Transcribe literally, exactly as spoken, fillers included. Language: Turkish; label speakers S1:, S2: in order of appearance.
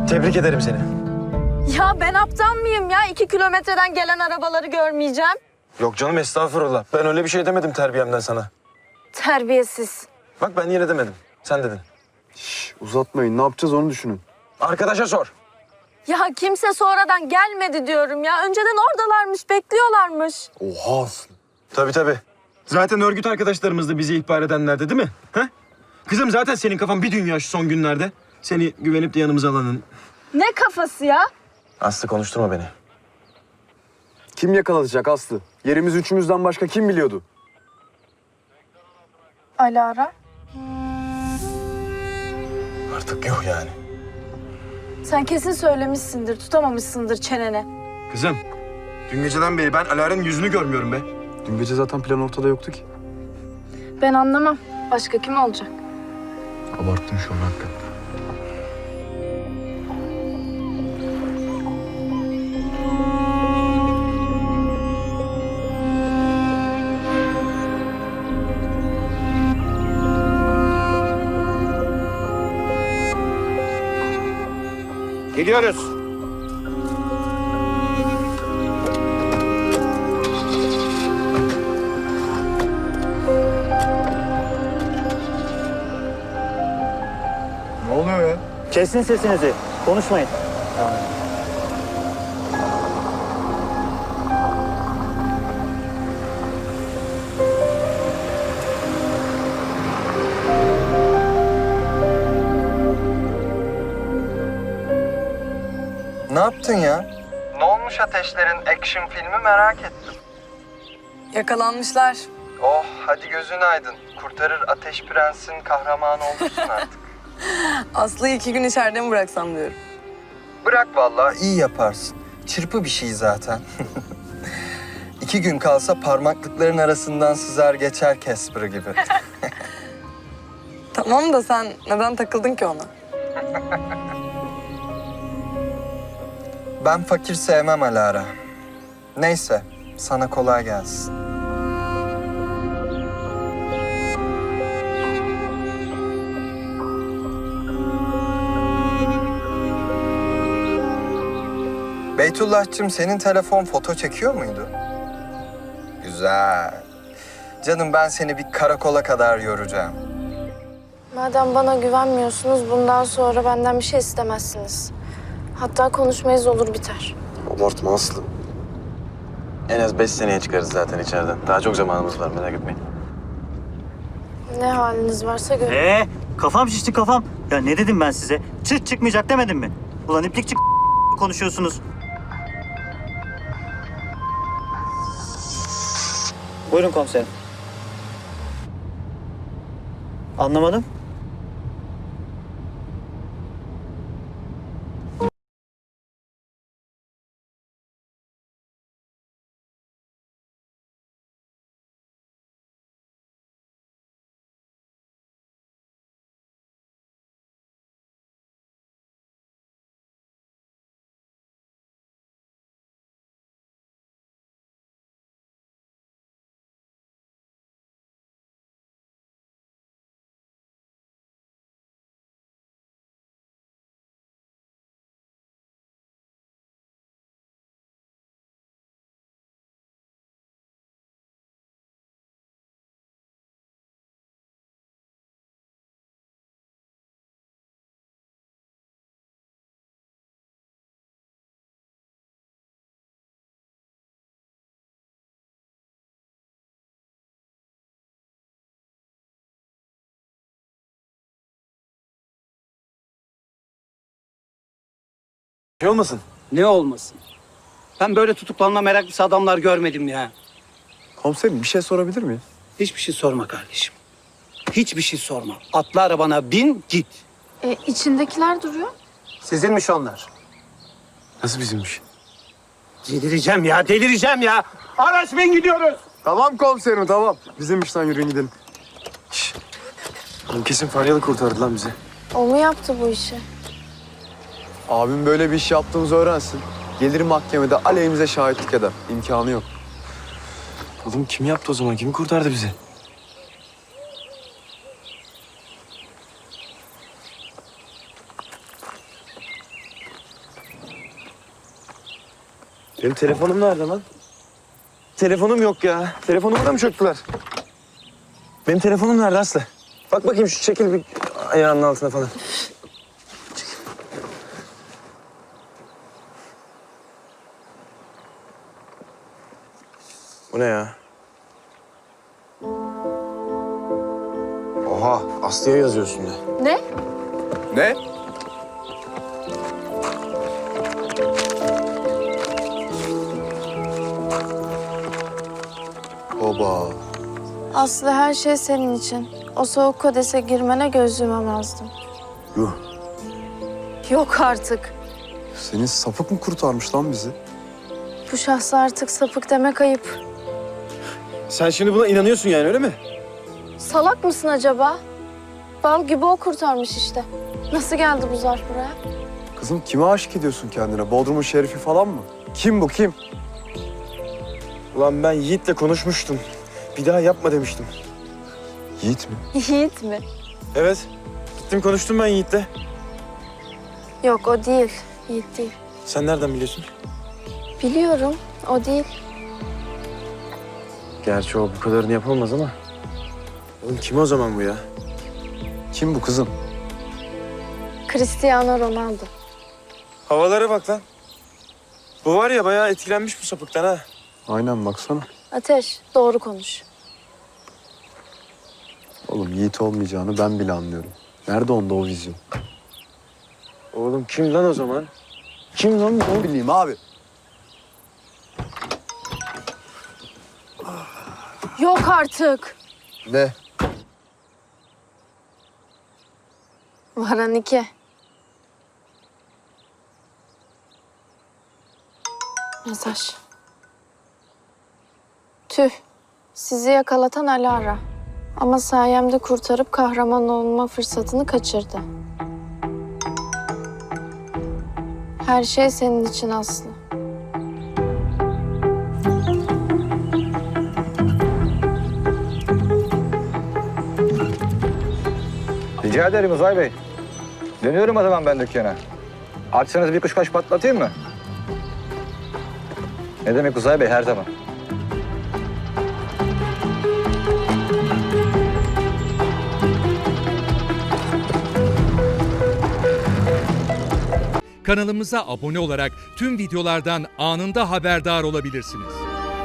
S1: Tebrik ederim seni.
S2: Ya ben aptal mıyım ya? İki kilometreden gelen arabaları görmeyeceğim.
S1: Yok canım, estağfurullah. Ben öyle bir şey demedim terbiyemden sana.
S2: Terbiyesiz.
S1: Bak ben yine demedim. Sen dedin.
S3: Şş, uzatmayın. Ne yapacağız onu düşünün.
S1: Arkadaşa sor.
S2: Ya kimse sonradan gelmedi diyorum ya. Önceden oradalarmış, bekliyorlarmış.
S3: Oha Aslı.
S1: Tabii tabii. Zaten örgüt arkadaşlarımız da bizi ihbar edenlerdi değil mi? Ha? Kızım zaten senin kafan bir dünya şu son günlerde. Seni güvenip de yanımıza alanın.
S2: Ne kafası ya?
S1: Aslı konuşturma beni.
S3: Kim yakalatacak Aslı? Yerimiz üçümüzden başka kim biliyordu?
S2: Alara.
S1: Artık yok yani.
S2: Sen kesin söylemişsindir, tutamamışsındır çenene.
S1: Kızım, dün geceden beri ben Alara'nın yüzünü görmüyorum be.
S3: Dün gece zaten plan ortada yoktu ki.
S2: Ben anlamam. Başka kim olacak?
S3: Abarttın şu an hakikaten.
S4: Gidiyoruz.
S3: Ne oluyor ya?
S4: Kesin sesinizi. Konuşmayın.
S5: Ne yaptın ya? Ne olmuş Ateşler'in action filmi merak ettim.
S6: Yakalanmışlar.
S5: Oh hadi gözün aydın. Kurtarır Ateş Prens'in kahramanı olursun artık.
S6: Aslı'yı iki gün içeride mi bıraksam diyorum.
S5: Bırak vallahi iyi yaparsın. Çırpı bir şey zaten. İki gün kalsa parmaklıkların arasından sızar geçer Casper gibi.
S6: Tamam da sen neden takıldın ki ona?
S5: Ben fakir sevmem Alara. Neyse sana kolay gelsin. Beytullah'cığım senin telefon foto çekiyor muydu? Güzel. Canım ben seni bir karakola kadar yoracağım.
S2: Madem bana güvenmiyorsunuz, bundan sonra benden bir şey istemezsiniz. Hatta konuşmayız, olur biter.
S3: Abartma Aslı.
S1: En az beş seneye çıkarız zaten içeriden. Daha çok zamanımız var, merak etmeyin.
S2: Ne haliniz varsa görün.
S4: Ee, kafam şişti kafam. Ya ne dedim ben size? Çıt çıkmayacak demedim mi? Ulan iplik çık konuşuyorsunuz. Buyurun komiserim. Anlamadım.
S1: Şey olmasın?
S7: Ne olmasın? Ben böyle tutuklanma meraklısı adamlar görmedim ya.
S3: Komiserim bir şey sorabilir miyim?
S7: Hiçbir şey sorma kardeşim. Hiçbir şey sorma. Atla arabana bin git.
S2: E, içindekiler duruyor.
S7: Sizinmiş onlar.
S1: Nasıl bizimmiş?
S7: Delireceğim ya, delireceğim ya. Araç bin gidiyoruz.
S3: Tamam komiserim tamam. Bizim işten yürüyün gidelim.
S1: Oğlum kesin Faryalı kurtardı lan bizi.
S2: O mu yaptı bu işi?
S3: Abim böyle bir iş yaptığımızı öğrensin. Gelir mahkemede aleyhimize şahitlik eder. İmkanı yok.
S1: Oğlum kim yaptı o zaman? Kim kurtardı bizi? Benim telefonum nerede lan? Telefonum yok ya. Telefonumu da mı çöktüler? Benim telefonum nerede Aslı? Bak bakayım şu çekil bir ayağının altına falan. Çekil. Bu ne ya? Oha, Aslı'ya yazıyorsun de.
S2: Ne?
S3: Ne? Oba.
S2: Aslı her şey senin için. O soğuk kodese girmene göz yumamazdım.
S3: Yuh.
S2: Yok artık.
S3: Senin sapık mı kurtarmış lan bizi?
S2: Bu şahsa artık sapık demek ayıp.
S1: Sen şimdi buna inanıyorsun yani öyle mi?
S2: Salak mısın acaba? Bal gibi o kurtarmış işte. Nasıl geldi bu zarf buraya?
S3: Kızım kime aşık ediyorsun kendine? Bodrum'un şerifi falan mı? Kim bu kim?
S1: Ulan ben Yiğit'le konuşmuştum. Bir daha yapma demiştim.
S3: Yiğit mi?
S2: Yiğit mi?
S1: Evet. Gittim konuştum ben Yiğit'le.
S2: Yok o değil. Yiğit değil.
S1: Sen nereden biliyorsun?
S2: Biliyorum o değil.
S1: Gerçi o bu kadarını yapamaz ama. Oğlum kim o zaman bu ya?
S3: Kim bu kızım?
S2: Cristiano Ronaldo.
S1: Havalara bak lan. Bu var ya bayağı etkilenmiş bu sapıktan ha.
S3: Aynen baksana.
S2: Ateş doğru konuş.
S3: Oğlum Yiğit olmayacağını ben bile anlıyorum. Nerede onda o vizyon?
S1: Oğlum kim lan o zaman? Kim lan bu?
S3: Ne bileyim abi.
S2: Yok artık.
S3: Ne?
S2: Varan iki. Mesaj. Tüh. Sizi yakalatan Alara. Ama sayemde kurtarıp kahraman olma fırsatını kaçırdı. Her şey senin için Aslı.
S8: Rica ederim Uzay Bey. Dönüyorum o zaman ben dükkana. Açsanız bir kuşkaş patlatayım mı? Ne demek Uzay Bey, her zaman.
S9: Kanalımıza abone olarak tüm videolardan anında haberdar olabilirsiniz.